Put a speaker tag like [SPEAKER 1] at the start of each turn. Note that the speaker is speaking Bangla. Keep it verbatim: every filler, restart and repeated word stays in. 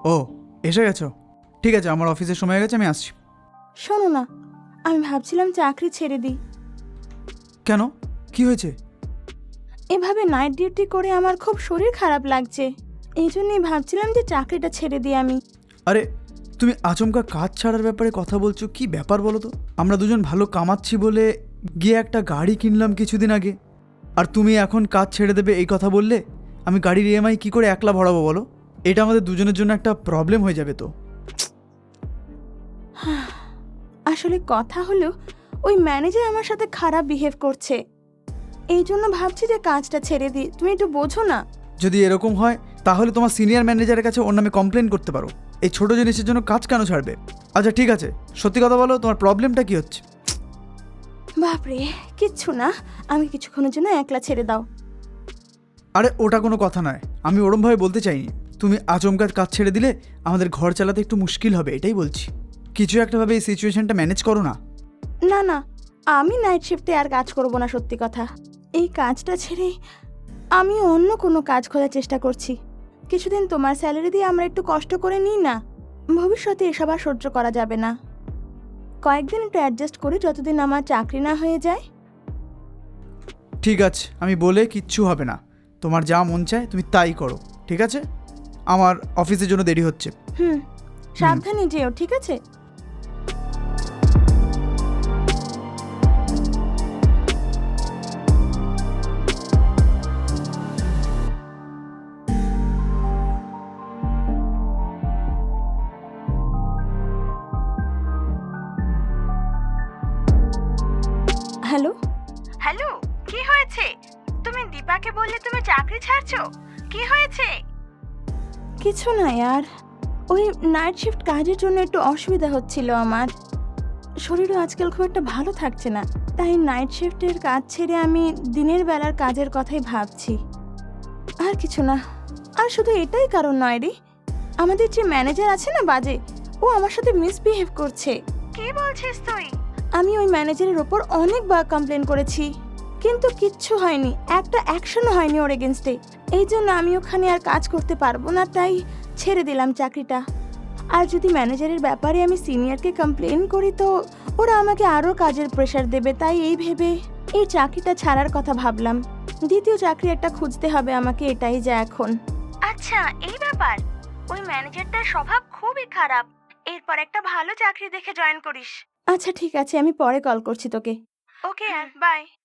[SPEAKER 1] ও এসে গেছো, ঠিক আছে, আমার অফিসের সময় হয়ে গেছে, আমি আসছি।
[SPEAKER 2] শোনো না, আমি ভাবছিলাম চাকরি ছেড়ে দিই।
[SPEAKER 1] কেন, কি হয়েছে?
[SPEAKER 2] এভাবে নাইট ডিউটি করে আমার খুব শরীর খারাপ লাগছে, এই জন্যই ভাবছিলাম যে চাকরিটা ছেড়ে দিই আমি।
[SPEAKER 1] আরে তুমি আচমকা কাজ ছাড়ার ব্যাপারে কথা বলছো, কি ব্যাপার বলো তো? আমরা দুজন ভালো কামাচ্ছি বলে গিয়ে একটা গাড়ি কিনলাম কিছুদিন আগে, আর তুমি এখন কাজ ছেড়ে দেবে এই কথা বললে? আমি গাড়ির ইএমআই কি করে একলা ভরাবো বলো? এটা আমাদের দুজনের জন্য একটা প্রবলেম হয়ে যাবে তো।
[SPEAKER 2] আসলে কথা হলো, ওই ম্যানেজার আমার সাথে খারাপ বিহেভ করছে, এই জন্য ভাবছি যে কাজটা ছেড়ে দিই। তুমি একটু বোঝো না।
[SPEAKER 1] যদি এরকম হয় তাহলে তোমার সিনিয়র ম্যানেজারের কাছে ওর নামে কমপ্লেন করতে পারো। এই ছোট জিনিসের জন্য কাজ কেন ছাড়বে? আচ্ছা ঠিক আছে, সত্যি কথা বলো, তোমার প্রবলেমটা কি হচ্ছে?
[SPEAKER 2] বাপরে, কিচ্ছু না, আমি কিছুক্ষণের জন্য একলা ছেড়ে দাও।
[SPEAKER 1] আরে ওটা কোনো কথা নয়, আমি ওরমভাবে বলতে চাইনি। তুমি আচমকা কাজ ছেড়ে দিলে আমাদের ঘর চালাতে একটু মুশকিল হবে, এটাই বলছি। কিছু একটাভাবে এই সিচুয়েশনটা ম্যানেজ করো না।
[SPEAKER 2] না না, আমি নাইট শিফটে আর কাজ করব না, সত্যি কথা। এই কাজটা ছেড়ে আমি অন্য কোনো কাজ খোঁজার চেষ্টা করছি। কিছুদিন তোমার স্যালারি দিয়ে আমরা একটু কষ্ট করে নিই না, ভবিষ্যতে এসব আর সহ্য করা যাবে না। কয়েকদিন একটু অ্যাডজাস্ট করি, যতদিন আমার চাকরি না হয়ে যায়।
[SPEAKER 1] ঠিক আছে, আমি বলে কিচ্ছু হবে না, তোমার যা মন চায় তুমি তাই করো, ঠিক আছে? আমার অফিসের জন্য দেরি হচ্ছে।
[SPEAKER 2] হুম, সাবধানে যেও, ঠিক আছে? হ্যালো হ্যালো, কি হয়েছে? তুমি দীপাকে বললে তুমি চাকরি ছাড়ছো, কি হয়েছে? কিছু না यार, ওই নাইট শিফট কাজের জন্য একটু অসুবিধা হচ্ছিল আমার। শরীরও আজকাল খুব একটা ভালো থাকছে না, তাই নাইট শিফটের কাজ ছেড়ে আমি দিনের বেলার কাজের কথাই ভাবছি। আর কিছু না, আর শুধু এটাই কারণ নয় রে, আমাদের যে ম্যানেজার আছে না বাজে, ও আমার সাথে মিসবিহেভ করছে। কি বলছিস তুই? আমি ওই ম্যানেজারের ওপর অনেকবার কমপ্লেন করেছি, কিন্তু কিচ্ছু হয়নি, একটা অ্যাকশনও হয়নি ওর এগেনস্টে। এই জন্য আমি ওখানে আর কাজ করতে পারবো না, তাই ছেড়ে দিলাম চাকরিটা। আর যদি ম্যানেজারের ব্যাপারে আমি সিনিয়রকে কমপ্লেন করি তো ওরা আমাকে আরও কাজের প্রেশার দেবে, তাই এই ভেবে এই চাকরিটা ছাড়ার কথা ভাবলাম। দ্বিতীয় চাকরি একটা খুঁজতে হবে আমাকে, এটাই যা এখন। আচ্ছা, এই ব্যাপার। ওই ম্যানেজারটার স্বভাব খুবই খারাপ, এরপর একটা ভালো চাকরি দেখে জয়েন করিস। আচ্ছা ঠিক আছে, আমি পরে কল করছি তোকে। Okay, by.